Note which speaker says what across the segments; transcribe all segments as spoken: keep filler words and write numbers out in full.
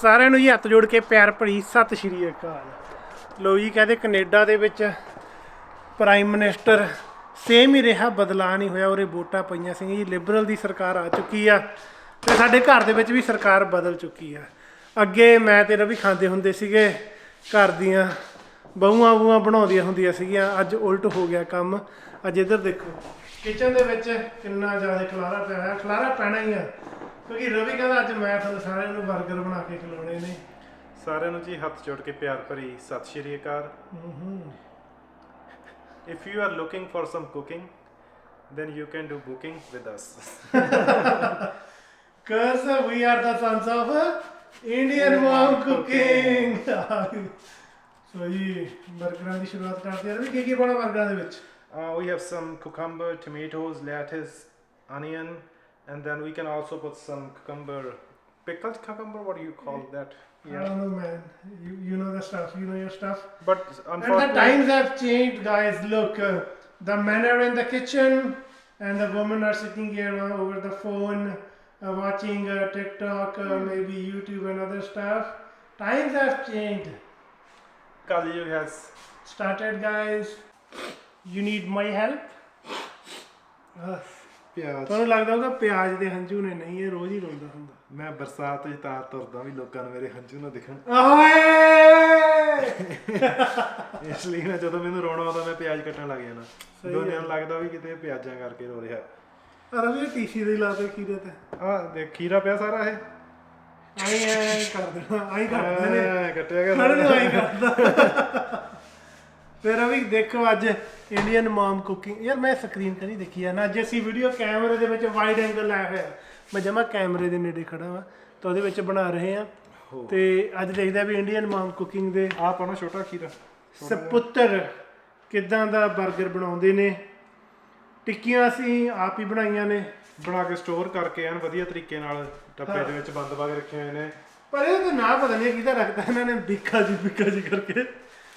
Speaker 1: ਸਾਰਿਆਂ ਨੂੰ ਜੀ ਹੱਥ ਜੋੜ ਕੇ ਪਿਆਰ ਭਰੀ ਸਤਿ ਸ਼੍ਰੀ ਅਕਾਲ। ਲੋ ਜੀ ਕਹਿੰਦੇ ਕੈਨੇਡਾ ਦੇ ਵਿੱਚ ਪ੍ਰਾਈਮ ਮਿਨਿਸਟਰ ਸੇਮ ਹੀ ਰਿਹਾ, ਬਦਲਾਅ ਨਹੀਂ ਹੋਇਆ। ਉਰੇ ਵੋਟਾਂ ਪਈਆਂ ਸੀ ਜੀ, ਲਿਬਰਲ ਦੀ ਸਰਕਾਰ ਆ ਚੁੱਕੀ ਆ ਤੇ ਸਾਡੇ ਘਰ ਦੇ ਵਿੱਚ ਵੀ ਸਰਕਾਰ ਬਦਲ ਚੁੱਕੀ ਆ। ਅੱਗੇ ਮੈਂ ਤੇ ਰਵੀ ਖਾਂਦੇ ਹੁੰਦੇ ਸੀਗੇ, ਘਰ ਦੀਆਂ ਬਹੂਆਂ ਬਹੂਆਂ ਬਣਾਉਂਦੀਆਂ ਹੁੰਦੀਆਂ ਸੀਗੀਆਂ, ਅੱਜ ਉਲਟ ਹੋ ਗਿਆ ਕੰਮ। ਅੱਜ ਇੱਧਰ ਦੇਖੋ ਕਿਚਨ ਦੇ ਵਿੱਚ ਕਿੰਨਾ ਜ਼ਿਆਦਾ ਖਲਾਰਾ ਪਿਆ ਹੋਇਆ। ਖਲਾਰਾ ਪੈਣਾ ਹੀ ਆ ਕਿਉਂਕਿ ਰਵੀ ਕਹਿੰਦਾ ਅੱਜ ਮੈਂ ਤੁਹਾਨੂੰ ਸਾਰਿਆਂ ਨੂੰ 버ਗਰ ਬਣਾ ਕੇ ਖਿਲਾਉਣੇ ਨੇ।
Speaker 2: ਸਾਰਿਆਂ ਨੂੰ ਜੀ ਹੱਥ ਜੋੜ ਕੇ ਪਿਆਰ ਭਰੀ ਸਤਿ ਸ਼੍ਰੀ ਅਕਾਲ। If you are looking for some cooking, then you can do booking with us.
Speaker 1: Cause we are the sons of Indian mom cooking. So ਜੀ 버ਗਰਾਂ ਦੀ ਸ਼ੁਰੂਆਤ ਕਰਦੇ ਹਾਂ। ਰਵੀ ਕੀ ਕੀ ਪਾਉਣਾ 버ਗਰਾਂ ਦੇ ਵਿੱਚ?
Speaker 2: Uh, we have some cucumber, tomatoes, lettuce, onion, and then we can also put some cucumber, pickled cucumber. What do you call that?
Speaker 1: I don't know, man. You you know the stuff. You know your stuff.
Speaker 2: But
Speaker 1: And the times have changed, guys. Look, uh, the men are in the kitchen, and the women are sitting here uh, over the phone, uh, watching uh, TikTok, uh, maybe YouTube and other stuff. Times have changed.
Speaker 2: Kali has
Speaker 1: Started, guys. You need my help. Uh,
Speaker 2: ਪਿਆਜ਼।
Speaker 1: ਤੁਹਾਨੂੰ ਲੱਗਦਾ ਹੋਊਗਾ ਪਿਆਜ਼ ਦੇ ਹੰਝੂ ਨੇ, ਨਹੀਂ ਇਹ ਰੋਜ਼ ਹੀ ਰੋਂਦਾ ਹੁੰਦਾ।
Speaker 2: ਮੈਂ ਬਰਸਾਤ ਵਿੱਚ ਤਾਰ ਤੁਰਦਾ ਵੀ ਲੋਕਾਂ ਨੂੰ ਮੇਰੇ ਹੰਝੂ ਨਾ ਦਿਖਣ,
Speaker 1: ਓਏ
Speaker 2: ਇਸ ਲਈ ਨਾ ਜਦੋਂ ਮੈਨੂੰ ਰੋਣਾ ਆਉਂਦਾ ਮੈਂ ਪਿਆਜ਼ ਕੱਟਣ ਲੱਗ ਜਾਣਾ। ਦੋਨਿਆਂ ਨੂੰ ਲੱਗਦਾ ਵੀ ਕਿਤੇ ਪਿਆਜ਼ਾਂ ਕਰਕੇ ਰੋ ਰਿਹਾ।
Speaker 1: ਰਵੀ ਟੀਸ਼ੀ ਦੇ ਲਾ ਦੇ ਖੀਰੇ ਤੇ
Speaker 2: ਆਹ ਦੇਖ ਖੀਰਾ ਪਿਆ ਸਾਰਾ ਇਹ
Speaker 1: ਆਈ ਐ ਕਰ ਦੇਣਾ, ਆਈ ਕਰਦੇ ਨੇ
Speaker 2: ਕੱਟਿਆ ਗਿਆ
Speaker 1: ਖੜੇ ਨੂੰ ਆਈ ਕਰਦਾ। ਫਿਰ ਰਵੀ ਦੇਖੋ ਅੱਜ ਇੰਡੀਅਨ ਮਮ ਕੁਕਿੰਗ। ਯਾਰ ਮੈਂ ਸਕਰੀਨ ਕਰੀ ਦੇਖੀ ਆ ਨਾ, ਅੱਜ ਅਸੀਂ ਵੀਡੀਓ ਕੈਮਰੇ ਦੇ ਵਿੱਚ ਵਾਈਡ ਐਂਗਲ ਲਾਇਆ ਹੋਇਆ। ਮੈਂ ਜਮਾ ਕੈਮਰੇ ਦੇ ਨੇੜੇ ਖੜਾ ਵਾਂ ਤਾਂ ਉਹਦੇ ਵਿੱਚ ਬਣਾ ਰਹੇ ਆ ਤੇ ਅੱਜ ਦੇਖਦੇ ਆ ਵੀ ਇੰਡੀਅਨ ਮਮ ਕੁਕਿੰਗ ਦੇ
Speaker 2: ਆਹ ਪਾਉਣਾ ਛੋਟਾ ਖੀਰਾ
Speaker 1: ਸਪੁੱਤਰ ਕਿੱਦਾਂ ਦਾ 버ਗਰ ਬਣਾਉਂਦੇ ਨੇ। ਟਿੱਕੀਆਂ ਅਸੀਂ ਆਪ ਹੀ ਬਣਾਈਆਂ ਨੇ,
Speaker 2: ਬਣਾ ਕੇ ਸਟੋਰ ਕਰਕੇ ਐਨ ਵਧੀਆ ਤਰੀਕੇ ਨਾਲ ਡੱਬੇ ਦੇ ਵਿੱਚ ਬੰਦ ਪਾ ਕੇ ਰੱਖੇ ਹੋਏ ਨੇ।
Speaker 1: ਪਰ ਇਹ ਤਾਂ ਨਾ ਪਤਾ ਨਹੀਂ ਕਿਹਦਾ ਰੱਖਦਾ ਇਹਨਾਂ ਨੇ, ਬਿੱਕਾ ਜੀ ਬਿੱਕਾ ਜੀ ਕਰਕੇ।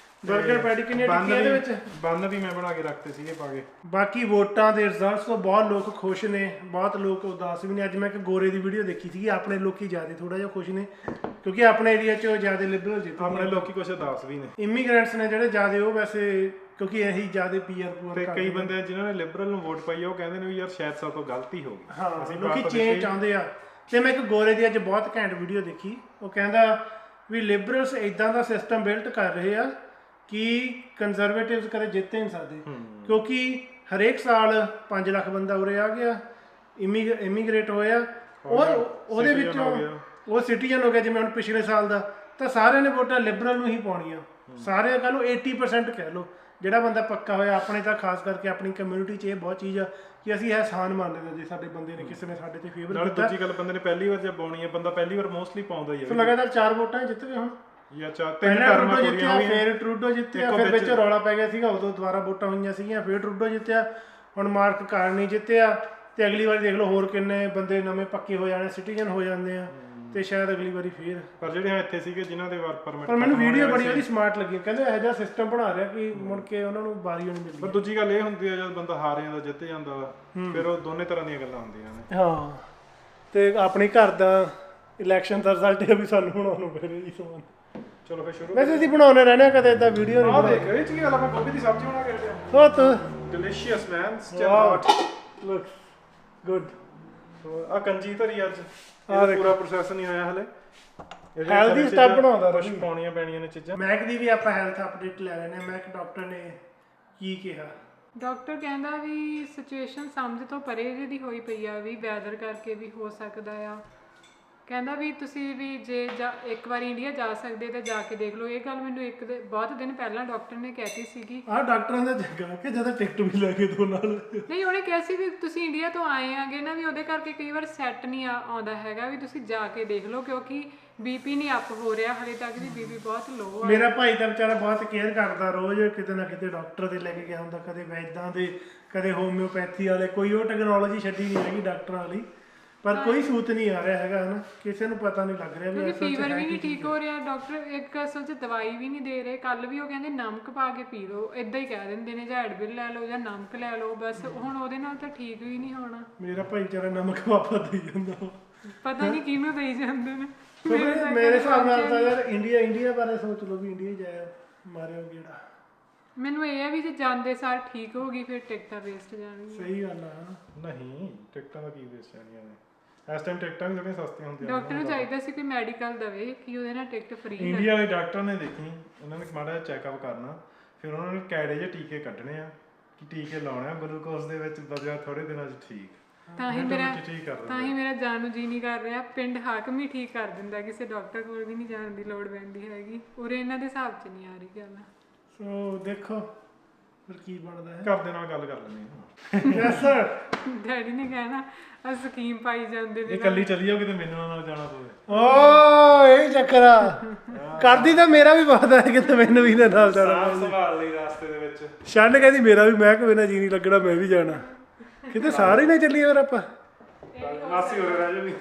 Speaker 1: 버ਗਰ ਪੈਟੀ ਕਿੰਨੀਆਂ ਟਿੱਕੀਆਂ ਦੇ ਵਿੱਚ
Speaker 2: ਬੰਨ ਵੀ ਮੈਂ ਬਣਾ ਕੇ ਰੱਖਤੇ ਸੀਗੇ ਪਾ ਕੇ।
Speaker 1: ਬਾਕੀ ਵੋਟਾਂ ਦੇ ਰਿਜ਼ਲਟਸ ਤੋਂ ਬਹੁਤ ਲੋਕ ਖੁਸ਼ ਨੇ, ਬਹੁਤ ਲੋਕ ਉਦਾਸ ਵੀ ਨੇ। ਅੱਜ ਮੈਂ ਇੱਕ ਗੋਰੇ ਦੀ ਵੀਡੀਓ ਦੇਖੀ ਸੀਗੀ, ਆਪਣੇ ਲੋਕੀ ਜ਼ਿਆਦਾ ਥੋੜਾ ਜਿਹਾ ਖੁਸ਼ ਨੇ ਕਿਉਂਕਿ ਆਪਣੇ ਏਰੀਆ 'ਚ ਜ਼ਿਆਦਾ ਲਿਬਰਲ ਜਿੱਤੇ।
Speaker 2: ਆਪਣੇ ਲੋਕੀ ਕੁਛ ਉਦਾਸ ਵੀ ਨੇ।
Speaker 1: ਇਮੀਗ੍ਰੈਂਟਸ ਨੇ ਜਿਹੜੇ ਜ਼ਿਆਦਾ, ਉਹ ਵੈਸੇ ਕਿਉਂਕਿ ਇਹੀ ਜ਼ਿਆਦਾ ਪੀਆਰ ਪੂਰ
Speaker 2: ਤੇ ਕਈ ਬੰਦੇ ਜਿਨ੍ਹਾਂ ਨੇ ਲਿਬਰਲ ਨੂੰ ਵੋਟ ਪਾਈ ਆ ਉਹ ਕਹਿੰਦੇ ਨੇ ਵੀ ਯਾਰ ਸ਼ਾਇਦ ਸਾਡੇ ਤੋਂ ਗਲਤੀ ਹੋ ਗਈ।
Speaker 1: ਹਾਂ, ਲੋਕੀ ਚੇਂਜ ਚਾਹੁੰਦੇ ਆ। ਤੇ ਮੈਂ ਇੱਕ ਗੋਰੇ ਦੀ ਅੱਜ ਬਹੁਤ ਘੈਂਟ ਵੀਡੀਓ ਦੇਖੀ, ਉਹ ਕਹਿੰਦਾ ਵੀ ਲਿਬਰਲਸ ਇਦਾਂ ਦਾ ਸਿਸਟਮ ਬਿਲਟ ਕਰ ਰਹੇ ਆ ਕਿ ਕੰਜ਼ਰਵੇਟਿਵਸ ਕਦੇ ਜਿੱਤ ਨਹੀਂ ਸਕਦੇ ਕਿਉਂਕਿ ਹਰੇਕ ਸਾਲ ਪੰਜ ਲੱਖ ਬੰਦਾ ਉਰੇ ਆ ਗਿਆ, ਇਮੀ ਇਮੀਗ੍ਰੇਟ ਹੋਇਆ, ਔਰ ਉਹਦੇ ਵਿੱਚੋਂ ਉਹ ਸਿਟੀਜ਼ਨ ਹੋ ਗਿਆ। ਜਿਵੇਂ ਹੁਣ ਪਿਛਲੇ ਸਾਲ ਦਾ ਤਾਂ ਸਾਰਿਆਂ ਨੇ ਵੋਟਾਂ ਲਿਬਰਲ ਨੂੰ ਹੀ ਪਾਉਣੀਆਂ। ਸਾਰੇ ਕਹ ਲਓ eighty percent ਕਹਿ ਲਓ, ਜਿਹੜਾ ਬੰਦਾ ਪੱਕਾ ਹੋਇਆ। ਆਪਣੇ ਤਾਂ ਖਾਸ ਕਰਕੇ ਆਪਣੀ ਕਮਿਊਨਿਟੀ 'ਚ ਇਹ ਬਹੁਤ ਚੀਜ਼ ਆ ਕਿ ਅਸੀਂ ਅਹਿਸਾਨ ਮੰਨਦੇ ਹਾਂ ਜੇ ਸਾਡੇ ਬੰਦੇ ਨੇ ਕਿਸੇ ਨੇ ਸਾਡੇ ਤੇ ਫੇਵਰ
Speaker 2: ਨਾਲ। ਦੂਜੀ ਗੱਲ, ਬੰਦੇ ਨੇ ਪਹਿਲੀ ਵਾਰ ਜੇ ਪਾਉਣੀ ਹੈ, ਬੰਦਾ ਪਹਿਲੀ ਵਾਰ ਮੋਸਟਲੀ ਪਾਉਂਦਾ ਹੀ ਹੈ।
Speaker 1: ਲਗਾਤਾਰ ਚਾਰ ਵੋਟਾਂ ਜਿੱਤ ਗਏ ਹੁਣ,
Speaker 2: ਜਾਂ ਚਾਰ ਤਿੰਨ ਟਰਮਾਂ ਪੂਰੀਆਂ ਹੋਈਆਂ,
Speaker 1: ਫਿਰ ਟਰੂਡੋ ਜਿੱਤਿਆ, ਫਿਰ ਵਿੱਚ ਰੌਲਾ ਪੈ ਗਿਆ ਸੀਗਾ, ਉਦੋਂ ਦੁਬਾਰਾ ਵੋਟਾਂ ਹੋਈਆਂ ਸੀਗੀਆਂ, ਫਿਰ ਟਰੂਡੋ ਜਿੱਤਿਆ, ਹੁਣ ਮਾਰਕ ਕਾਰਨੀ ਜਿੱਤਿਆ। ਤੇ ਅਗਲੀ ਵਾਰੀ ਦੇਖ ਲਓ ਹੋਰ ਕਿੰਨੇ ਬੰਦੇ ਨਵੇਂ ਪੱਕੇ ਹੋ ਜਾਣੇ, ਸਿਟੀਜ਼ਨ ਹੋ ਜਾਂਦੇ ਆ, ਤੇ ਸ਼ਾਇਦ ਅਗਲੀ ਵਾਰੀ ਫੇਰ।
Speaker 2: ਪਰ ਜਿਹੜੇ ਹਾਂ ਇੱਥੇ ਸੀਗੇ ਜਿਨ੍ਹਾਂ ਦੇ ਵਰਕ ਪਰਮਿਟ,
Speaker 1: ਪਰ ਮੈਨੂੰ ਵੀਡੀਓ ਬੜੀ ਉਹਦੀ ਸਮਾਰਟ ਲੱਗੀ। ਕਹਿੰਦੇ ਇਹੋ ਜਿਹਾ ਸਿਸਟਮ ਬਣਾ ਰਿਹਾ ਕਿ ਮੁੜ ਕੇ ਉਹਨਾਂ ਨੂੰ ਵਾਰੀ ਨਹੀਂ ਮਿਲਦੀ।
Speaker 2: ਪਰ ਦੂਜੀ ਗੱਲ ਇਹ ਹੁੰਦੀ ਹੈ ਜਦ ਬੰਦਾ ਹਾਰ ਜਾਂਦਾ ਜਿੱਤ ਜਾਂਦਾ ਵਾ, ਫਿਰ ਉਹ ਦੋਨੇ ਤਰ੍ਹਾਂ ਦੀਆਂ ਗੱਲਾਂ ਹੁੰਦੀਆਂ ਨੇ।
Speaker 1: ਹਾਂ, ਤੇ ਆਪਣੇ ਘਰ ਦਾ ਇਲੈਕਸ਼ਨ ਦਾ ਰਿਜ਼ਲਟ ਇਹ ਵੀ ਸਾਨੂੰ ਬਣਾਉਣ ਨੂੰ ਪੈ ਰਿਹਾ ਜੀ ਸਮਾਨ।
Speaker 2: ਚਲੋ ਫਿਰ ਸ਼ੁਰੂ।
Speaker 1: ਵੈਸੇ ਅਸੀਂ ਬਣਾਉਣੇ ਰਹਿੰਦੇ ਕਦੇ ਇਦਾਂ ਵੀਡੀਓ ਨਹੀਂ
Speaker 2: ਆਹ ਦੇਖ ਇਹ ਚ ਕੀ ਗੱਲ, ਆਪਾਂ ਗੋਭੀ ਦੀ ਸਬਜ਼ੀ ਬਣਾ ਕੇ ਰੱਖਿਆ।
Speaker 1: ਸੋ ਤੂੰ
Speaker 2: delicious man, still
Speaker 1: wow,
Speaker 2: hot,
Speaker 1: look good.
Speaker 2: ਆ ਕੰਜੀ ਧਰੀ ਅੱਜ, ਇਹਦਾ ਪੂਰਾ ਪ੍ਰੋਸੈਸ ਨਹੀਂ ਹੋਇਆ ਹਲੇ।
Speaker 1: ਹੈਲਦੀ ਸਟੱਫ ਬਣਾਉਂਦਾ
Speaker 2: ਕੁਝ ਪਾਉਣੀਆਂ ਪੈਣੀਆਂ ਨੇ ਚੀਜ਼ਾਂ।
Speaker 1: ਮੈਕ ਦੀ ਵੀ ਆਪਾਂ ਹੈਲਥ ਅਪਡੇਟ ਲੈ ਲੈਣੇ। ਮੈਕ ਡਾਕਟਰ ਨੇ ਕੀ ਕਿਹਾ?
Speaker 3: ਡਾਕਟਰ ਕਹਿੰਦਾ ਵੀ ਸਿਚੁਏਸ਼ਨ ਸਮਝ ਤੋਂ ਪਰੇ ਜਿਹੀ ਹੋਈ ਪਈ ਆ, ਵੀ ਵੈਦਰ ਕਰਕੇ ਵੀ ਹੋ ਸਕਦਾ ਆ। ਕਹਿੰਦਾ ਵੀ ਤੁਸੀਂ ਵੀ ਜੇ ਜਾ ਇੱਕ ਵਾਰੀ ਇੰਡੀਆ ਜਾ ਸਕਦੇ ਤਾਂ ਜਾ ਕੇ ਦੇਖ ਲਓ। ਇਹ ਗੱਲ ਮੈਨੂੰ ਇੱਕ ਦੇ ਬਹੁਤ ਦਿਨ ਪਹਿਲਾਂ ਡਾਕਟਰ ਨੇ ਕਹਿਤੀ ਸੀਗੀ।
Speaker 1: ਆਹ ਡਾਕਟਰਾਂ ਦਾ ਜੱਗਾ ਕਿ ਜਦੋਂ ਟਿਕਟ ਵੀ ਲੈ ਕੇ ਦੋ ਨਾਲ।
Speaker 3: ਨਹੀਂ, ਉਹਨੇ ਕਿਹਾ ਸੀ ਵੀ ਤੁਸੀਂ ਇੰਡੀਆ ਤੋਂ ਆਏ ਆਗੇ ਨਾ, ਵੀ ਉਹਦੇ ਕਰਕੇ ਕਈ ਵਾਰ ਸੈੱਟ ਨਹੀਂ ਆ ਆਉਂਦਾ ਹੈਗਾ, ਵੀ ਤੁਸੀਂ ਜਾ ਕੇ ਦੇਖ ਲਓ ਕਿਉਂਕਿ ਬੀਪੀ ਨਹੀਂ ਅਪ ਹੋ ਰਿਹਾ ਹਲੇ ਤੱਕ ਵੀ, ਬੀਪੀ ਬਹੁਤ ਲੋ ਆ।
Speaker 1: ਮੇਰਾ ਭਾਈ ਤਾਂ ਵਿਚਾਰਾ ਬਹੁਤ ਕੇਅਰ ਕਰਦਾ, ਰੋਜ਼ ਕਿਤੇ ਨਾ ਕਿਤੇ ਡਾਕਟਰ ਦੇ ਲੈ ਕੇ ਗਿਆ ਹੁੰਦਾ, ਕਦੇ ਵੈਦਾਂ ਦੇ, ਕਦੇ ਹੋਮਿਓਪੈਥੀ ਵਾਲੇ। ਕੋਈ ਉਹ ਟੈਕਨੋਲੋਜੀ ਛੱਡੀ ਨਹੀਂ ਹੈਗੀ ਡਾਕਟਰਾਂ ਵਾਲੀ, ਪਰ ਕੋਈ ਸੂਤ ਨਹੀਂ ਆ ਰਿਹਾ ਹੈਗਾ ਨਾ, ਕਿਸੇ ਨੂੰ ਪਤਾ ਨਹੀਂ ਲੱਗ ਰਿਹਾ ਵੀ
Speaker 3: ਕਿਉਂਕਿ ਫੀਵਰ ਵੀ ਨਹੀਂ ਠੀਕ ਹੋ ਰਿਹਾ। ਡਾਕਟਰ ਇੱਕ ਅਸਲ 'ਚ ਦਵਾਈ ਵੀ ਨਹੀਂ ਦੇ ਰਹੇ। ਕੱਲ ਵੀ ਉਹ ਕਹਿੰਦੇ ਨਮਕ ਪਾ ਕੇ ਪੀ ਲਓ, ਇਦਾਂ ਹੀ ਕਹਿ ਦਿੰਦੇ ਨੇ, ਜਾਂ ਐਡਵਿਲ ਲੈ ਲਓ ਜਾਂ ਨਮਕ ਲੈ ਲਓ, ਬਸ। ਹੁਣ ਉਹਦੇ ਨਾਲ ਤਾਂ ਠੀਕ ਵੀ ਨਹੀਂ ਹੋਣਾ।
Speaker 1: ਮੇਰਾ ਭਾਈ ਵਿਚਾਰਾ ਨਮਕ ਵਾਪਸ ਦੇਈ ਜਾਂਦਾ,
Speaker 3: ਪਤਾ ਨਹੀਂ ਕਿਹਨੂੰ ਦੇਈ ਜਾਂਦੇ ਨੇ।
Speaker 1: ਕਿਉਂਕਿ ਮੇਰੇ ਹਿਸਾਬ ਨਾਲ ਤਾਂ ਯਾਰ ਇੰਡੀਆ ਇੰਡੀਆ ਬਾਰੇ ਸੋਚ ਲਓ ਵੀ ਇੰਡੀਆ ਜਾਇਆ ਮਾਰਿਓ ਗੇੜਾ।
Speaker 3: ਮੈਨੂੰ ਇਹ ਆ ਵੀ ਜੇ ਜਾਂਦੇ ਸਾਰ ਠੀਕ ਹੋ ਗਈ ਫਿਰ ਟਿਕਟਾਂ ਵੇਸਟ ਜਾਣਗੀਆਂ।
Speaker 1: ਸਹੀ ਗੱਲ ਆ।
Speaker 2: ਨਹੀਂ ਟਿਕਟਾਂ ਦਾ ਕੀ ਵੇਸਟ ਜਾਣੀਆਂ ਨੇ ਇਸ ਟਾਈਮ ਟਿਕਟਾਂ ਵੀ ਥੋੜ੍ਹੀਆਂ ਸਸਤੀਆਂ ਹੁੰਦੀਆਂ
Speaker 3: ਡਾਕਟਰ ਨੂੰ ਚਾਹੀਦਾ ਸੀ ਕੋਈ ਮੈਡੀਕਲ ਦਵੇ ਕਿ ਉਹਦੇ ਨਾਲ ਟਿਕਟ ਫ੍ਰੀ
Speaker 2: ਇੰਡੀਆ ਵਾਲੇ ਡਾਕਟਰ ਨੇ ਦੇਖੀ ਉਹਨਾਂ ਨੇ ਮਾੜਾ ਜਿਹਾ ਚੈੱਕਅਪ ਕਰਨਾ ਫਿਰ ਉਹਨਾਂ ਨੇ ਕੈੜੇ ਜਿਹੇ ਟੀਕੇ ਕੱਢਣੇ ਆ ਕਿ ਟੀਕੇ ਲਾਉਣੇ ਆ ਗਲੂਕੋਜ਼ ਦੇ ਵਿੱਚ ਬਦਲਿਆ ਥੋੜੇ ਦਿਨਾਂ 'ਚ ਠੀਕ
Speaker 3: ਤਾਂ ਹੀ ਮੇਰਾ
Speaker 2: ਠੀਕ ਕਰ
Speaker 3: ਤਾਂ ਹੀ ਮੇਰਾ ਜਾਣ ਨੂੰ ਜੀ ਨਹੀਂ ਕਰ ਰਿਹਾ। ਪਿੰਡ ਹਾਕਮ ਹੀ ਠੀਕ ਕਰ ਦਿੰਦਾ, ਕਿਸੇ ਡਾਕਟਰ ਕੋਲ ਵੀ ਨਹੀਂ ਜਾਣ ਦੀ ਲੋੜ ਪੈਂਦੀ ਹੈਗੀ। ਉਰੇ ਇਹਨਾਂ ਦੇ ਹਿਸਾਬ 'ਚ ਨਹੀਂ ਆ ਰਹੀ ਗੱਲ।
Speaker 1: ਸੋ ਦੇਖੋ ਫਿਰ ਕੀ ਬਣਦਾ ਹੈ।
Speaker 2: ਘਰ ਦੇ ਨਾਲ ਗੱਲ ਕਰ ਲੈਂਦੇ
Speaker 1: ਯੈਸ ਸਰ।
Speaker 3: ਡੈਡੀ ਨੇ ਕਹਿਣਾ ਆ ਸਕੀਮ ਪਾਈ ਜਾਂਦੇ
Speaker 2: ਇਹ ਇਕੱਲੀ ਚੱਲੀ ਜਾਓ ਕਿਤੇ ਮੈਨੂੰ ਨਾਲ ਜਾਣਾ ਪਵੇ।
Speaker 1: ਓ ਇਹ ਚੱਕਰ ਆ ਕਰਦੀ ਤਾਂ ਮੇਰਾ ਵੀ ਬਹੁਤ ਹੈ ਕਿਤੇ ਮੈਨੂੰ ਵੀ ਨਾ ਨਾਲ ਜਾਣਾ।
Speaker 2: ਸਾਹ ਸੰਭਾਲ ਲਈ ਰਾਸਤੇ ਦੇ ਵਿੱਚ
Speaker 1: ਛੰਡ ਕਹਿੰਦੀ ਮੇਰਾ ਵੀ ਮੈਂ ਕਿਵੇਂ ਨਾ ਜੀ ਨਹੀਂ ਲੱਗਣਾ ਮੈਂ ਵੀ ਜਾਣਾ ਕਿਤੇ ਸਾਰੇ ਨਾ ਚੱਲੀਏ ਫਿਰ ਆਪਾਂ।
Speaker 2: ਮਾਸੀ ਹੋ ਰਿਹਾ ਜੀ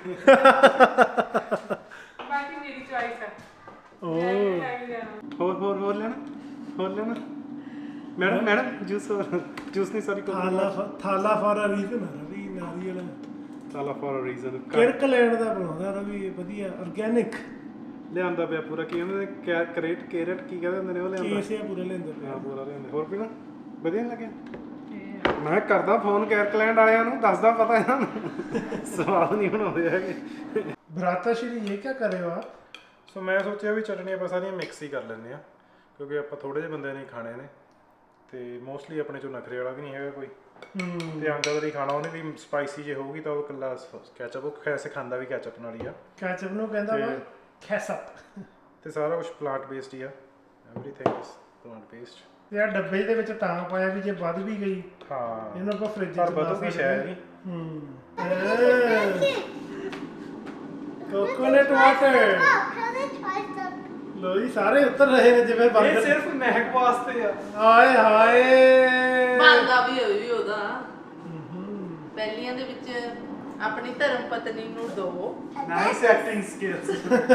Speaker 3: ਬਾਕੀ ਮੇਰੀ ਚੋਇਸ ਹੈ।
Speaker 1: ਓ
Speaker 2: ਹੋਰ ਹੋਰ ਹੋਰ ਲੈਣਾ ਹੋਰ ਲੈਣਾ ਮੈਡਮ ਮੈਡਮ ਜੂਸ ਜੂਸ ਨਹੀਂ sorry
Speaker 1: Thala Thala for a reason Ravi ਨਾਰੀਅਲ
Speaker 2: ਸਾਲਾ ਫॉर ਅ ਰੀਜ਼ਨ
Speaker 1: ਕਿਰਕਲੈਂਡ ਦਾ ਬਣਾਉਂਦਾ ਰਵੀ ਵਧੀਆ ਆਰਗੈਨਿਕ
Speaker 2: ਲਿਆਂਦਾ ਪਿਆ ਪੂਰਾ ਕੀ ਹੁੰਦੇ ਨੇ ਕ੍ਰੇਟ ਕੈਰਟ ਕੀ ਕਹਿੰਦੇ ਹੁੰਦੇ ਨੇ ਉਹ ਲਿਆਂਦਾ
Speaker 1: ਕੇਸਿਆ ਪੂਰੇ ਲੈਂਦੇ ਪਏ।
Speaker 2: ਹਾਂ ਪੂਰਾ ਲਿਆਂਦਾ ਹੋਰ ਪੀਣਾ ਵਧੀਆ ਨਹੀਂ ਲੱਗਿਆ ਮੈਂ ਕਰਦਾ ਫੋਨ ਕੈਰਕਲੈਂਡ ਵਾਲਿਆਂ ਨੂੰ ਦੱਸਦਾ ਪਤਾ ਇਹਨਾਂ ਨੂੰ ਸਵਾਦ ਨਹੀਂ ਬਣਾਉਂਦੇ ਹੈਗੇ।
Speaker 1: ਭਰਾਤਾ ਸ਼੍ਰੀ ਇਹ ਕੀ ਕਰ ਰਹੇ ਹੋ ਆਪ?
Speaker 2: ਸੋ ਮੈਂ ਸੋਚਿਆ ਵੀ ਚਟਨੀ ਆਪਾਂ ਸਾਰੀਆਂ ਮਿਕਸ ਹੀ ਕਰ ਲੈਂਦੇ ਆ ਕਿਉਂਕਿ ਆਪਾਂ ਥੋੜੇ ਜਿਹੇ ਬੰਦੇ ਨੇ ਖਾਣੇ ਨੇ ਤੇ ਮੋਸਟਲੀ ਆਪਣੇ ਚੋਂ ਨਖਰੇ ਵਾਲਾ ਵੀ ਨਹੀਂ ਹੈਗਾ ਕੋਈ
Speaker 1: ਹੂੰ
Speaker 2: ਤੇ ਅੰਕਲ ਦੀ ਖਾਣਾ ਉਹਨੇ ਵੀ ਸਪਾਈਸੀ ਜੇ ਹੋਊਗੀ ਤਾਂ ਉਹ ਇਕੱਲਾ ਕੈਚਅਪ ਉਹ ਖੈਸੇ ਖਾਂਦਾ ਵੀ ਕੈਚਅਪ ਨਾਲ ਹੀ ਆ
Speaker 1: ਕੈਚਅਪ ਨੂੰ ਕਹਿੰਦਾ ਵਾ ਕੈਸਅਪ
Speaker 2: ਤੇ ਸਾਰਾ ਕੁਝ ਪਲਾਂਟ ਬੇਸਡ ਹੀ ਆ ਐਵਰੀਥਿੰਗ ਇਜ਼ ਪਲਾਂਟ ਬੇਸਡ।
Speaker 1: ਯਾਰ ਡੱਬੇ ਦੇ ਵਿੱਚ ਤਾਂ ਪਾਇਆ ਵੀ ਜੇ ਵੱਧ ਵੀ ਗਈ
Speaker 2: ਹਾਂ
Speaker 1: ਇਹਨੂੰ ਆਪਾਂ ਫ੍ਰਿਜ 'ਚ
Speaker 2: ਪਰ
Speaker 1: ਪਾ
Speaker 2: ਬਦੂ ਵੀ
Speaker 1: ਸਕਦੇ
Speaker 2: ਸ਼ਾਇਦ ਨਹੀਂ
Speaker 1: ਹੂੰ ਕੋਕੋਨਟ ਵਾਟਰ ਲੋ ਜੀ ਸਾਰੇ ਉੱਤਰ ਰਹੇ ਨੇ ਜਿਵੇਂ
Speaker 2: ਇਹ
Speaker 1: ਬੰਦ
Speaker 2: ਸਿਰਫ ਮਹਿਕ ਵਾਸਤੇ ਆ
Speaker 1: ਹਾਏ ਹਾਏ
Speaker 4: ਬਣਦਾ ਵੀ ਹੋਈ ਵੀ ਉਹਦਾ ਪਹਿਲੀਆਂ ਦੇ ਵਿੱਚ ਆਪਣੀ ਧਰਮ ਪਤਨੀ ਨੂੰ ਦੋ
Speaker 2: ਨਾਈਸ ਐਕਟਿੰਗ ਸਕਿੱਲਸ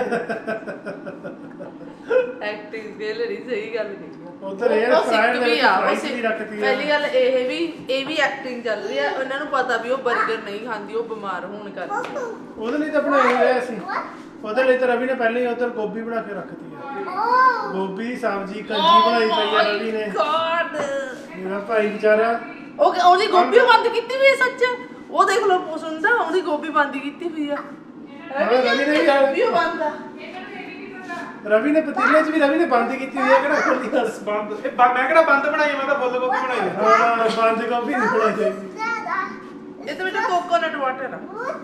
Speaker 4: ਐਕਟਿੰਗ ਦੇ ਲਈ ਸਹੀ ਗੱਲ ਨਹੀਂ
Speaker 1: ਉਧਰ ਇਹ ਫਰਾਈਡ
Speaker 4: ਵੀ ਆ ਉਹ
Speaker 1: ਰਾਈਸ ਵੀ
Speaker 4: ਸਿੱਖ-
Speaker 1: ਰੱਖਤੀ ਆ
Speaker 4: ਪਹਿਲੀ ਗੱਲ ਇਹ ਵੀ ਇਹ ਵੀ ਐਕਟਿੰਗ ਚੱਲ ਰਹੀ ਹੈ ਉਹਨਾਂ ਨੂੰ ਪਤਾ ਵੀ ਉਹ 버ਗਰ ਨਹੀਂ ਖਾਂਦੀ ਉਹ ਬਿਮਾਰ ਹੋਣ ਕਰਕੇ
Speaker 1: ਉਹਦੇ ਲਈ ਤਾਂ ਬਣਾਈ ਹੋਇਆ ਸੀ ਉਹਦੇ ਲਈ ਤਾਂ ਰਵੀ ਨੇ ਪਹਿਲਾਂ ਹੀ ਉਧਰ ਗੋਭੀ ਬਣਾ ਕੇ ਰੱਖਤੀ ਆ ਗੋਭੀ ਦੀ ਸਬਜ਼ੀ ਕੰਜੀ ਬਣਾਈ ਪਈ ਆ ਰਵੀ ਨੇ
Speaker 4: ਗॉड
Speaker 1: ਮੇਰਾ ਭਾਈ ਵਿਚਾਰਾ
Speaker 4: ਉਹ ਉਹਦੀ ਗੋਭੀ ਬੰਦ ਕੀਤੀ ਵੀ ਹੈ ਸੱਚ ਉਹ ਦੇਖ ਲਓ ਸੁਣਦਾ ਉਹਦੀ ਗੋਭੀ ਬੰਦ ਕੀਤੀ ਵੀ ਆ
Speaker 1: ਹਾਂ, ਰਵੀ ਨੇ ਵੀ ਆ-
Speaker 4: ਗੋਭੀ ਬੰਦ ਆ
Speaker 1: ਰਵੀ ਨੇ ਪਤੀਲੇ 'ਚ ਵੀ ਰਵੀ ਨੇ ਬੰਦ ਕੀਤੀ ਹੋਈ ਆ ਕਿਹੜਾ ਖੋਲੀ ਗੱਲ
Speaker 2: ਬੰਦ ਇਹ ਬ- ਮੈਂ ਕਿਹੜਾ ਬੰਦ ਬਣਾਈ ਮੈਂ ਤਾਂ ਫੁੱਲ ਗੋਭੀ ਬਣਾਈ ਆ।
Speaker 1: ਹਾਂ ਬੰਦ ਗੋਭੀ ਨਹੀਂ ਬਣਾਈ ਚਾਹੀਦੀ
Speaker 4: ਇਹ ਤਾਂ ਵਿੱਚ ਕੋਕੋਨਟ ਵਾਟਰ ਆ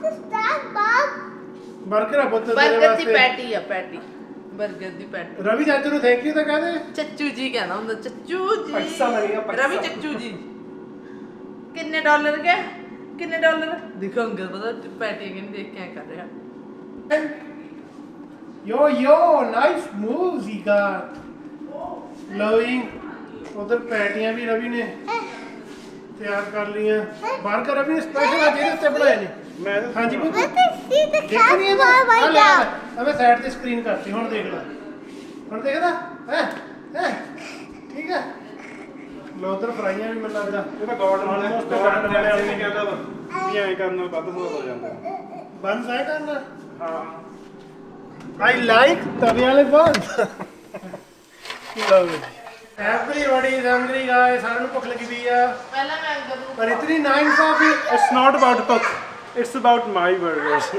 Speaker 1: ਬਰਗਰ ਆ ਪੁੱਤ ਤੇਰੇ
Speaker 4: 버ਗਰ ਦੀ
Speaker 1: ਵਾਸਤੇ
Speaker 4: ਪੈਟੀ ਆ ਪੈਟੀ 버ਗਰ ਦੀ ਪੈਟੀ
Speaker 1: ਰਵੀ ਚਾਚੂ ਨੂੰ ਥੈਂਕ ਯੂ ਤਾਂ ਕਹਦੇ
Speaker 4: ਚੱਚੂ ਜੀ ਕਹਿੰਦਾ ਹੁੰਦਾ ਚੱਚੂ ਜੀ
Speaker 2: ਪੈਸਾ ਲੱਗੇਗਾ, ਪੈਸਾ।
Speaker 4: ਰਵੀ ਚੱਚੂ ਜੀ ਕਿੰਨੇ ਡਾਲਰ ਗਏ ਕਿੰਨੇ ਡਾਲਰ ਦਿਖਾਉਂਗਾ ਪਤਾ ਪੈਟੀ ਕਿੰਨੇ ਦੇਖ ਕੇ ਐਂ ਕਰ ਰਿਹਾ
Speaker 1: Yo, yo, nice moves he got. Loving. उधर पैटियां भी रवि ने तैयार कर लीਆਂ बर्गर रवि ने स्पेशल आज ਇਹਦੇ ਉੱਤੇ ਬਣਾਏ ਨੇ
Speaker 2: ਮੈਂ
Speaker 1: हाँ जी पुੱਤ देखनी है ना हमें साइड ਤੇ ਸਕਰੀਨ ਕਰਤੀ ਹੁਣ ਦੇਖ ਲੈ ਹੁਣ ਦੇਖਦਾ ਹੈ ਹੈ ਠੀਕ ਹੈ ਲੋ ਉਧਰ ਫਰਾਈਆਂ ਵੀ ਮੈਨੂੰ ਲੱਗਦਾ
Speaker 2: ਇਹ ਤਾਂ ਗੋਡ ਨਾਲ
Speaker 1: Almost
Speaker 2: ਗੋਡ
Speaker 1: done.
Speaker 2: ਨੇ ਨਹੀਂ ਕਹਿੰਦਾ ਵੀ ਐਂ ਕਰਨ ਨਾਲ ਵੱਧ ਸਵਾਦ ਹੋ ਜਾਂਦਾ
Speaker 1: ਬੰਦ ਸਾਇ ਕਰਨਾ
Speaker 2: ਹਾਂ
Speaker 1: I like ਤਵੇ ਵਾਲੇ ਬੰਦ ਲਓ Everybody is hungry guys ਸਾਰਿਆਂ ਨੂੰ ਭੁੱਖ ਲੱਗੀ ਪਈ ਆ
Speaker 4: ਪਹਿਲਾਂ ਮੈਂ ਅੰਦਰ ਨੂੰ
Speaker 1: ਪਰ ਇਤਨੀ ਨਾਇਨਸਾਫੀ
Speaker 2: it's not about cook it's about my burgers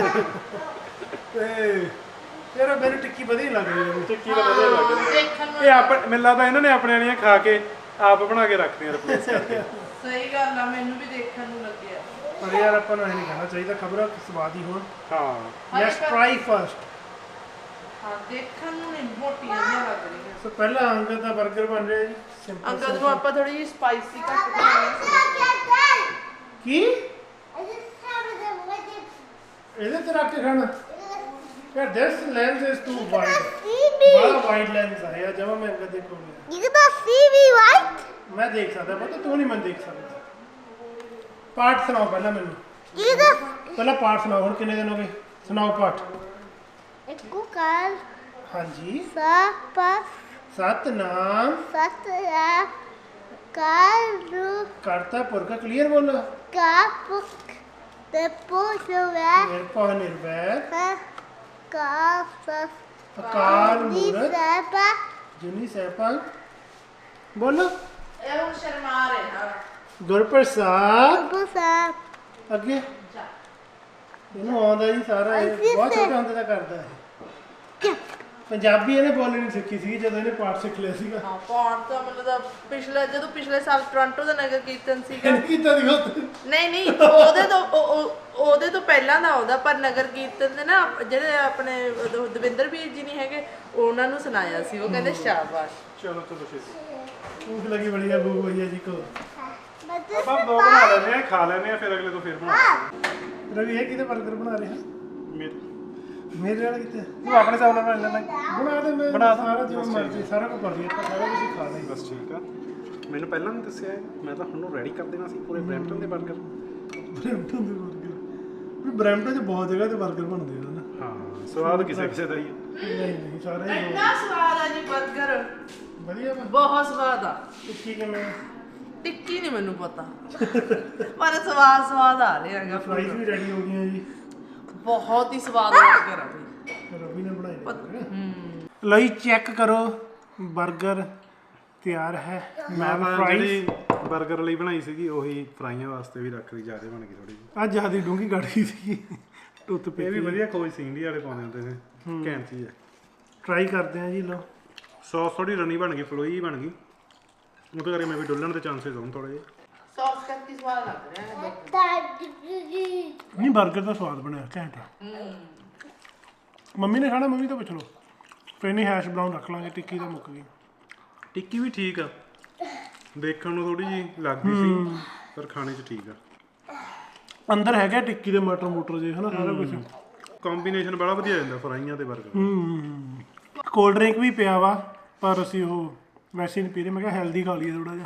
Speaker 1: ਤੇ ਤੇਰਾ ਮੈਨੂੰ ਟਿੱਕੀ ਵਧੀਆ ਲੱਗ ਰਹੀ ਹੈ
Speaker 2: ਟਿੱਕੀ ਦਾ ਵਧੀਆ ਲੱਗ ਰਿਹਾ
Speaker 4: ਦੇਖਣ ਨੂੰ
Speaker 2: ਇਹ ਆਪ ਮੈਨੂੰ ਲੱਗਦਾ ਇਹਨਾਂ ਨੇ ਆਪਣੇ ਵਾਲੀਆਂ ਖਾ ਕੇ ਆਪ ਬਣਾ ਕੇ ਰੱਖਦੀਆਂ ਰਿਪਲੇਸ ਕਰਕੇ
Speaker 4: ਸਹੀ ਗੱਲ ਆ ਮੈਨੂੰ ਵੀ ਦੇਖਣ ਨੂੰ ਲੱਗਿਆ
Speaker 1: ਪਰ ਯਾਰ ਆਪਾਂ ਨੂੰ ਇਹ ਨਹੀਂ ਖਾਣਾ ਚਾਹੀਦਾ ਖਬਰਾਂ ਸਵਾਦ ਹੀ ਹੋਣ
Speaker 2: ਹਾਂ
Speaker 1: ਲੈਟਸ ਟਰਾਈ ਫਰਸਟ
Speaker 4: ਹਾਂ ਦੇਖਣ ਨੂੰ ਨਹੀਂ ਮੋਟੀਆਂ ਜਿਹੀਆਂ ਲੱਗ ਰਹੀਆਂ
Speaker 1: ਸੋ ਪਹਿਲਾ ਅੰਗਦ ਦਾ 버ਗਰ ਬਣ ਰਿਹਾ ਜੀ ਸਿੰਪਲ
Speaker 4: ਅੰਕਲ ਨੂੰ ਆਪਾਂ ਥੋੜੀ ਜਿਹੀ ਸਪਾਈਸੀ ਘੱਟ ਬਣਾਉਣੀ
Speaker 1: ਕੀ ਇਹਦੇ ਤੇ ਰੱਖ ਕੇ ਖਾਣਾ ਯਾਰ this lens is too wide ਬੜਾ ਵਾਈਡ ਲੈਂਸ ਆ ਯਾਰ ਜਮਾ ਮੈਂ Angad ਦੇਖੂੰਗਾ
Speaker 5: You can see me, right?
Speaker 1: ਮੈਂ ਦੇਖ ਸਕਦਾ ਪਰ ਤੂੰ ਨਹੀਂ ਮੈਂ ਦੇਖ ਸਕਦਾ ਪਾਠ ਸੁਣਾਓ ਪਹਿਲਾਂ ਮੈਨੂੰ
Speaker 5: You can.
Speaker 1: ਪਹਿਲਾਂ ਪਾਠ ਸੁਣਾਓ ਹੁਣ ਕਿੰਨੇ ਦਿਨ ਹੋ ਗਏ ਸੁਣਾਓ ਪਾਠ
Speaker 5: Kukal,
Speaker 1: ਹਾਂਜੀ
Speaker 5: Sapas,
Speaker 1: ਸਤਨਾਮ
Speaker 5: Satya, Kalu,
Speaker 1: ਕਰਤਾ ਪੁਰਖ ਕਲੀਅਰ ਬੋਲੋ
Speaker 5: Kapuk, the Pushuva,
Speaker 1: ਨਿਰਭਉ ਨਿਰਵੈਰ
Speaker 5: ਕਾਫ
Speaker 1: ਅਕਾਲ
Speaker 5: ਦੀ
Speaker 1: ਮੂਰਤ
Speaker 5: ਸਭਾ
Speaker 1: ਜੁਨੀ ਸਹਿਪਾਂ ਬੋਲੋ
Speaker 4: ਇਹ ਹੁਣ ਸ਼ਰਮਾ ਰਿਹਾ
Speaker 1: ਗੁਰਪ੍ਰਸਾਦ
Speaker 5: ਬਸਾ
Speaker 1: ਅੱਗੇ ਇਹਨੂੰ ਆਉਂਦਾ ਜੀ ਸਾਰਾ ਇਹ ਬਹੁਤ ਛੋਟੇ ਹੁੰਦੇ ਦਾ ਕਰਦਾ ਹੈ ਪੰਜਾਬੀ ਇਹਨੇ ਬੋਲਣੀ ਨਹੀਂ ਸਿੱਖੀ ਸੀ ਜਦੋਂ ਇਹਨੇ ਪਾਠ ਸਿੱਖ ਲਿਆ ਸੀਗਾ
Speaker 4: ਹਾਂ ਪਾਉਣ ਤਾਂ ਮਤਲਬ ਪਿਛਲੇ ਜਦੋਂ ਪਿਛਲੇ ਸਾਲ ਟੋਰਾਂਟੋ ਦਾ ਨਗਰ ਕੀਰਤਨ ਸੀਗਾ
Speaker 1: ਇਹਨੇ ਕੀਤਾ ਦਿਖਾ
Speaker 4: ਨਹੀਂ ਨਹੀਂ ਉਹਦੇ ਤੋਂ ਉਹ- ਉਹ- ਉਹਦੇ ਤੋਂ ਪਹਿਲਾਂ ਦਾ ਆਉਂਦਾ ਪਰ ਨਗਰ ਕੀਰਤਨ ਦੇ ਨਾ ਜਿਹੜੇ ਆਪਣੇ ਉਦੋਂ ਦਵਿੰਦਰ ਵੀਰ ਜੀ ਨਹੀਂ ਹੈਗੇ ਉਹਨਾਂ ਨੂੰ ਸੁਣਾਇਆ ਸੀ ਉਹ ਕਹਿੰਦੇ ਸ਼ਾਬਾਸ਼
Speaker 2: ਚਲੋ ਚਲੋ ਛੇਤੀ
Speaker 1: ਭੂਖ ਲੱਗੀ ਬੜੀ ਆ ਭੂਖ ਭਈਆ ਜੀ ਕੋ
Speaker 2: ਆਪਾਂ ਦੋ ਬਣਾ ਲੈਨੇ ਆ ਖਾ ਲੈਨੇ ਆ ਫਿਰ ਅਗਲੇ ਤੋਂ ਫਿਰ ਬਣਾ ਲੈਂਦੇ
Speaker 1: ਰਵੀ ਇਹ ਕਿਤੇ 버ਗਰ ਬਣਾ ਰਿਹਾ
Speaker 2: ਮੇਰੇ
Speaker 1: ਮੇਰੇ ਵਾਲਾ ਕਿੱਥੇ
Speaker 2: ਤੂੰ ਆਪਣੇ ਹਿਸਾਬ ਨਾਲ ਬਣਾ ਲੈਣਾ
Speaker 1: ਬਣਾ ਦੇ ਮੈਂ
Speaker 2: ਬਣਾ ਦੇ।
Speaker 1: ਸਾਰਾ ਜੋ ਮਰਜ਼ੀ ਸਾਰਾ ਕੁਝ ਕਰ ਲਿਆ ਆਪਾਂ ਸਾਰਾ ਕੁਝ ਹੀ ਖਾ ਲਈ
Speaker 2: ਬਸ ਠੀਕ ਆ ਮੈਨੂੰ ਪਹਿਲਾਂ ਨਹੀਂ ਦੱਸਿਆ ਇਹ। ਮੈਂ ਤਾਂ ਹੁਣ ਰੈਡੀ ਕਰ ਦੇਣਾ ਸੀ ਪੂਰੇ ਬ੍ਰੈਂਪਟਨ ਦੇ 버ਗਰ
Speaker 1: ਬ੍ਰੈਂਪਟਨ ਦੇ 버ਗਰ ਵੀ ਬ੍ਰੈਂਪਟਨ 'ਚ ਬਹੁਤ ਜਗ੍ਹਾ ਤੇ 버ਗਰ ਬਣਦੇ ਆ ਨਾ
Speaker 2: ਹਾਂ ਸਵਾਦ ਕਿਸੇ ਕਿਸੇ ਦਾ ਹੀ ਆ
Speaker 1: ਨਹੀਂ ਨਹੀਂ ਸਾਰੇ ਹੀ
Speaker 4: ਇੰਨਾ ਸਵਾਦ ਆ ਜੀ 버ਗਰ
Speaker 1: ਵਧੀਆ ਵਾ
Speaker 4: ਬਹੁਤ ਸਵਾਦ ਆ
Speaker 1: ਟਿੱਕੀ ਕਿਵੇਂ
Speaker 4: ਟਿੱਕੀ ਨਹੀਂ ਮੈਨੂੰ ਪਤਾ ਪਰ ਸਵਾਦ ਸਵਾਦ ਆ ਰਿਹਾ ਹੈਗਾ
Speaker 1: ਫਰਾਈਜ਼ ਵੀ ਰੈਡੀ ਹੋ ਗਈਆਂ ਜੀ
Speaker 4: ਬਹੁਤ ਹੀ ਸਵਾਦ 버ਗਰ ਆ ਬਈ
Speaker 1: ਰਵੀ ਨੇ ਬਣਾਈ ਨੇ ਲਈ ਚੈੱਕ ਕਰੋ 버ਗਰ ਤਿਆਰ ਹੈ
Speaker 2: ਮੈਂ
Speaker 1: ਮੈਂ
Speaker 2: ਤਾਂ
Speaker 1: ਫਰਾਈਜ਼
Speaker 2: ਜਿਹੜੀ 버ਗਰ ਲਈ ਬਣਾਈ ਸੀਗੀ ਉਹੀ ਫਰਾਈਆਂ ਵਾਸਤੇ ਵੀ ਰੱਖ ਲਈ ਜ਼ਿਆਦਾ ਬਣ ਗਈ ਥੋੜੀ ਜਿਹੀ
Speaker 1: ਅੱਜ ਜਿਆਦਾ ਡੂੰਗੀ ਕੱਢ ਗਈ ਸੀ ਟੁੱਤ ਪੇ
Speaker 2: ਇਹ ਵੀ ਵਧੀਆ ਖੋਜ ਸੀ ਇੰਡੀਆ ਵਾਲੇ ਪਾਉਂਦੇ ਹੁੰਦੇ ਨੇ ਘੈਂਟ ਚੀਜ਼ ਹੈ
Speaker 1: ਟਰਾਈ ਕਰਦੇ ਆ ਜੀ ਲੋ
Speaker 2: ਸੌਸ ਥੋੜੀ ਰਨੀ ਬਣ ਗਈ ਫਲੋਈ ਬਣ ਗਈ ਉਹਦੇ ਕਰਕੇ ਮੈਂ ਵੀ ਡੁੱਲਣ ਦੇ ਚਾਂਸਸ ਹੋਣ ਥੋੜੇ ਜਿਹੇ
Speaker 4: ਸੌਸ ਕਰਕੇ ਸਵਾਦ ਲੱਗ ਰਿਹਾ ਹੈ
Speaker 1: ਨਹੀਂ 버ਗਰ ਦਾ ਸਵਾਦ ਬਣਿਆ ਘੈਂਟ ਆ। ਮੰਮੀ ਨੇ ਖਾਣਾ ਮੰਮੀ ਤੋਂ ਪੁੱਛ ਲਓ ਫਿਰ ਨਹੀਂ ਹੈਸ਼ ਬਰਾਊਨ ਰੱਖ ਲਾਂਗੇ ਟਿੱਕੀ ਤਾਂ ਮੁੱਕ ਗਈ
Speaker 2: ਟਿੱਕੀ ਵੀ ਠੀਕ ਆ ਦੇਖਣ ਨੂੰ ਥੋੜੀ ਜਿਹੀ ਲੱਗਦੀ ਸੀ ਪਰ ਖਾਣੇ 'ਚ ਠੀਕ ਆ
Speaker 1: ਅੰਦਰ ਹੈਗਾ ਟਿੱਕੀ ਦੇ ਮਟਰ ਮੋਟਰ ਜੇ ਹਨਾ ਸਾਰਾ ਕੁਝ
Speaker 2: ਕੰਬੀਨੇਸ਼ਨ ਬੜਾ ਵਧੀਆ ਜਾਂਦਾ ਫਰਾਈਆਂ ਤੇ 버ਗਰ
Speaker 1: ਹੂੰ ਕੋਲਡ ਡਰਿੰਕ ਵੀ ਪਿਆ ਵਾ ਪਰ ਅਸੀਂ ਉਹ ਵੈਸੇ ਨਹੀਂ ਪੀ ਰਹੇ ਮੈਂ ਕਿਹਾ ਹੈਲਦੀ ਖਾ ਲਈਏ ਥੋੜਾ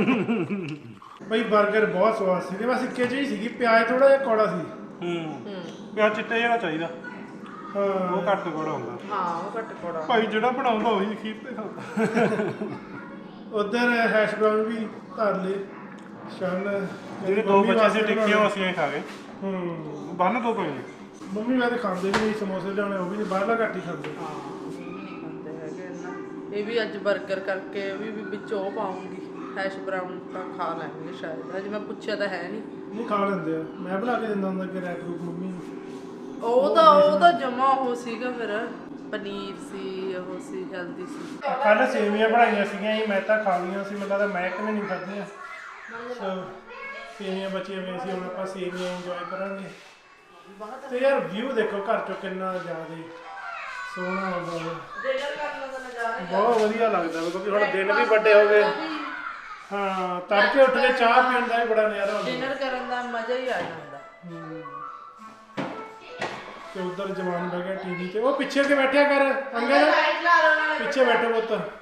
Speaker 1: ਜਿਹਾ ਬਈ 버ਗਰ ਬਹੁਤ ਸਵਾਦ ਸੀ ਤੇ ਬਸ ਇੱਕੇ ਜਿਹੀ ਸੀਗੀ ਪਿਆਜ਼ ਥੋੜਾ ਜਿਹਾ ਕੌੜਾ ਸੀ
Speaker 2: ਹੂੰ ਪਿਆਜ਼ ਚਿੱਟਾ ਜਿਹੜਾ ਚਾਹੀਦਾ
Speaker 1: ਹਾਂ
Speaker 2: ਉਹ ਘੱਟ ਕੋੜਾ ਹੁੰਦਾ
Speaker 4: ਹਾਂ ਉਹ ਘੱਟ ਕੋੜਾ
Speaker 2: ਭਾਈ ਜਿਹੜਾ ਬਣਾਉਂਦਾ ਉਹੀ ਖੀਰ ਤੇ ਖਾਂਦਾ
Speaker 1: ਉਧਰ ਹੈਸ਼ ਬਰਾਊਨ ਵੀ ਧਰ ਲਏ ਸ਼ਨ
Speaker 2: ਜਿਹੜੇ ਦੋ ਬੱਚੇ ਸੀ ਟਿੱਕੀਆਂ ਉਹ ਅਸੀਂ ਖਾ ਗਏ
Speaker 1: ਹੂੰ
Speaker 2: ਬੰਨ ਦੋ ਕੋਈ
Speaker 1: ਮੰਮੀ ਵੈਸੇ ਖਾਂਦੇ ਵੀ ਨਹੀਂ ਸਮੋਸੇ ਲਿਆਉਣੇ ਉਹ ਵੀ ਨਹੀਂ ਬਾਹਰਲਾ ਘੱਟ ਹੀ ਖਾਂਦੇ
Speaker 4: ਹਾਂ ਇਹ ਵੀ ਨਹੀਂ ਖਾਂਦੇ ਹੈਗੇ ਇੰਨਾ ਇਹ ਵੀ ਅੱਜ 버ਗਰ ਕਰਕੇ ਇਹ ਵੀ ਵਿੱਚ ਉਹ ਪਾਉਂਗੀ ਹੈਸ਼ ਬਰਾਊਨ ਤਾਂ ਖਾ ਲੈਣਗੇ ਸ਼ਾਇਦ ਅਜੇ ਮੈਂ ਪੁੱਛਿਆ ਤਾਂ ਹੈ ਨਹੀਂ
Speaker 1: ਨਹੀਂ ਖਾ ਲੈਂਦੇ ਆ ਮੈਂ ਬਣਾ ਕੇ ਦਿੰਦਾ ਹੁੰਦਾ ਕਿ ਰੈਪ ਰੂਪ ਮੰਮੀ ਨੂੰ
Speaker 4: ਉਹ ਤਾਂ ਉਹ ਤਾਂ ਜਮਾ ਉਹ ਸੀਗਾ ਫਿਰ ਪਨੀਰ ਸੀ ਉਹ ਸੀ ਹੈਲਦੀ ਸੀ
Speaker 1: ਕੱਲ ਸੇਵੀਆਂ ਬਣਾਈਆਂ ਸੀਗੀਆਂ ਜੀ ਮੈਂ ਤਾਂ ਖਾ ਲਈਆਂ ਸੀ ਮੈਨੂੰ ਲੱਗਦਾ ਮੈਂ ਕਿਵੇਂ ਨਹੀਂ ਖਾਧੀਆਂ ਸੋ ਸੇਵੀਆਂ ਬਚੀਆਂ ਹੋਈਆਂ ਸੀ ਹੁਣ ਆਪਾਂ ਸੇਵੀਆਂ ਇੰਜੋਏ ਕਰਾਂਗੇ ਤੇ ਯਾਰ ਵਿਊ ਦੇਖੋ ਘਰ ਚੋਂ ਕਿੰਨਾ ਜ਼ਿਆਦਾ ਸੋਹਣਾ ਆਉਂਦਾ ਹੈ
Speaker 4: ਡਿਨਰ ਕਰਨ ਦਾ ਨਜ਼ਾਰਾ
Speaker 1: ਬਹੁਤ ਵਧੀਆ ਲੱਗਦਾ ਵਾ ਕਿਉਂਕਿ ਹੁਣ ਦਿਨ ਵੀ ਵੱਡੇ ਹੋ ਗਏ ਹਾਂ ਤੜਕੇ ਉੱਠ ਕੇ ਚਾਹ ਪੀਣ ਦਾ ਵੀ ਬੜਾ ਨਜ਼ਾਰਾ ਹੁੰਦਾ
Speaker 4: ਡਿਨਰ ਕਰਨ ਦਾ ਮਜ਼ਾ ਹੀ ਆ ਜਾਂਦਾ
Speaker 1: ਤੇ ਉਧਰ ਜਵਾਨ ਬਹਿ ਗਿਆ ਟੀਵੀ ਤੇ ਉਹ ਪਿੱਛੇ ਕੇ ਬੈਠਿਆ ਕਰ ਅੰਗਦ
Speaker 4: ਲਾਈਟ ਲਾ ਲਓ ਨਾਲੇ
Speaker 1: ਪਿੱਛੇ ਬੈਠੋ ਪੁੱਤ